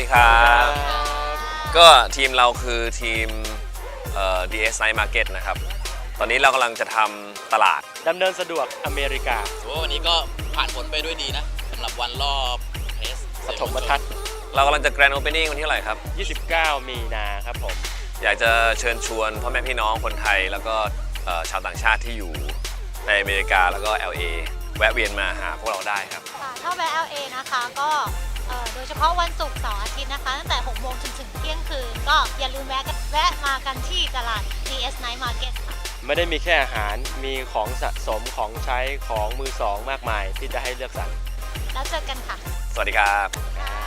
ครับก็ทีมเราคือทีมDS Night Market นะครับตอนนี้เรากำลังจะทำตลาดดำเนินสะดวกอเมริกาวันนี้ก็ผ่านผลไปด้วยดีนะสำหรับวันรอบเทสปฐมทัศน์เรากำลังจะ Grand Opening วันที่เท่าไหร่ครับ 29 มีนาครับผมอยากจะเชิญชวนพ่อแม่พี่น้องคนไทยแล้วก็ชาวต่างชาติที่อยู่ในอเมริกาแล้วก็ LA แวะเวียนมาหาพวกเราได้ครับถ้าแวะ LA นะคะก็โดยเฉพาะวันศุกร์เสาร์อาทิตย์นะคะตั้งแต่ 6 โมงจนถึงเที่ยงคืนก็อย่าลืมแวะมากันที่ตลาด DS Night Market ค่ะไม่ได้มีแค่อาหารมีของสะสมของใช้ของมือสองมากมายที่จะให้เลือกสรรแล้วเจอกันค่ะสวัสดีครับ